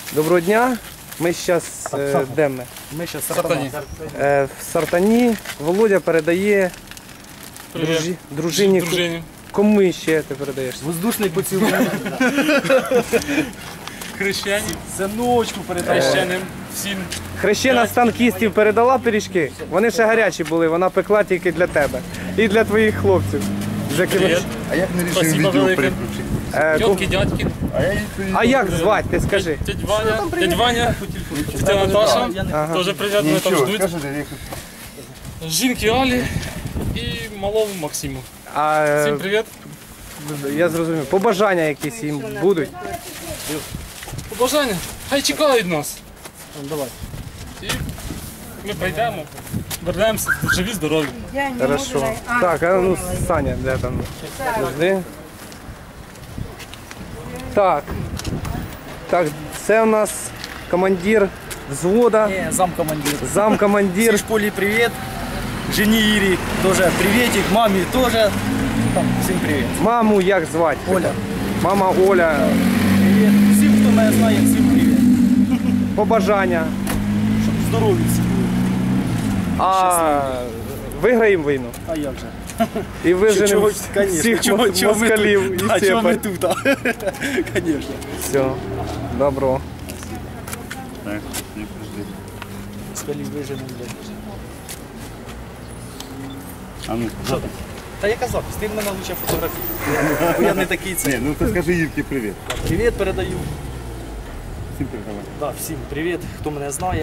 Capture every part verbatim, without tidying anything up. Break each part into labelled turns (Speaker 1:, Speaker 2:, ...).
Speaker 1: Доброго дня. Ми зараз, е, де ми?
Speaker 2: Ми зараз в Сартані.
Speaker 1: Е, в Сартані. Володя передає дружі, дружині.
Speaker 3: Дружині.
Speaker 1: Кому ще ти передаєш?
Speaker 2: Воздушний поцілунок.
Speaker 3: Хрещені.
Speaker 2: Синочку передаємо.
Speaker 3: Хрещеним. Всім.
Speaker 1: Хрещена з танкістів передала пиріжки. Вони ще гарячі були, вона пекла тільки для тебе. І для твоїх хлопців. З якими-
Speaker 3: Привіт.
Speaker 4: А як не рішив
Speaker 3: Спасибо
Speaker 4: відео
Speaker 3: велике.
Speaker 4: переключити?
Speaker 1: Е, ку-
Speaker 3: Тьотки, дядьки.
Speaker 4: А я їй
Speaker 1: А як звати, ти скажи?
Speaker 3: Дядь Ваня. Дядь Ваня. Тетя Наташа. Теж привіт, вони там
Speaker 4: нічого,
Speaker 3: ждуть.
Speaker 4: скажете, як
Speaker 3: Жінки Алі і малому Максиму.
Speaker 1: А,
Speaker 3: Всім
Speaker 1: е,
Speaker 3: привіт.
Speaker 1: я зрозумів. Побажання якісь їм будуть.
Speaker 3: Побажання. Хай чекають нас.
Speaker 2: Давай.
Speaker 3: І ми прийдемо. Вернемося. Живі, здорові.
Speaker 1: Хорошо. Так, а ну Саня, де там? Подожди. Так. Так, це у нас командир взвода,
Speaker 2: Ні, замкомандир.
Speaker 1: замкомандир.
Speaker 2: Всій школі привіт. Жені Ірі теж привітик, мамі теж. Там, всім привіт.
Speaker 1: Маму як звати?
Speaker 2: Оля.
Speaker 1: Мама Оля.
Speaker 2: Привіт. Всім, хто мене знає, всім привіт.
Speaker 1: Побажання.
Speaker 2: Щоб здорові всі були.
Speaker 1: А виграємо війну.
Speaker 2: А як же?
Speaker 1: І виженемо
Speaker 2: Чого, конечно,
Speaker 1: всіх
Speaker 2: чого-
Speaker 1: мос-
Speaker 2: чого ми
Speaker 1: москалів
Speaker 2: тут?
Speaker 1: і
Speaker 2: А чого ми
Speaker 1: сепарів.
Speaker 2: тут? Звісно.
Speaker 1: Все, добро.
Speaker 4: Так, не подожди.
Speaker 2: Москалів виженемо.
Speaker 4: А ну,
Speaker 2: Що там? Та я казав, ти в мене лучше фотографії. Бо я не такий
Speaker 4: ні,
Speaker 2: це.
Speaker 4: ну то скажи Євки привіт.
Speaker 2: Привіт передаю.
Speaker 4: Всім передавай.
Speaker 2: Да, всім привіт, хто мене знає.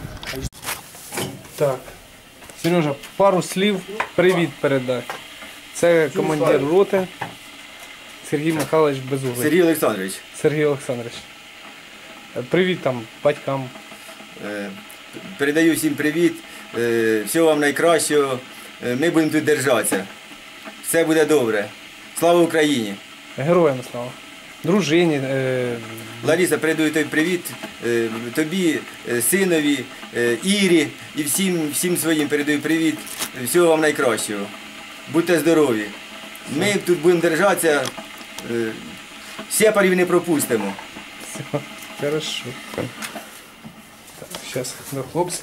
Speaker 1: Так. Сережа, пару слів. Привіт передай. Це командир роти Сергій Михайлович Безуглий.
Speaker 5: Сергій Олександрович,
Speaker 1: Сергій Олександрович. Е, Привіт там батькам.
Speaker 5: е, передаю всім привіт, е, всього вам найкращого, Е, ми будемо тут держатися. Все буде добре. Слава Україні!
Speaker 1: Героям слава. Дружині. Е...
Speaker 5: Лариса, передаю тобі привіт, е, тобі, е, синові, е, Ірі і всім, всім своїм передаю привіт, всього вам найкращого. Будьте здорові. Ми тут будемо держатися, е, сепарів не пропустимо.
Speaker 1: Все, хорошо. Так, зараз до хлопців.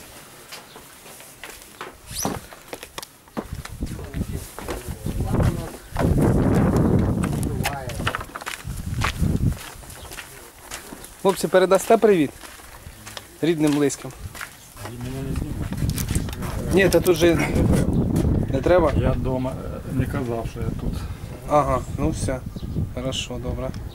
Speaker 1: Хлопці, передасте привіт рідним, близьким. Ні, та тут же не треба.
Speaker 3: Я вдома не казав, що я тут.
Speaker 1: Ага, ну все. Хорошо, добре.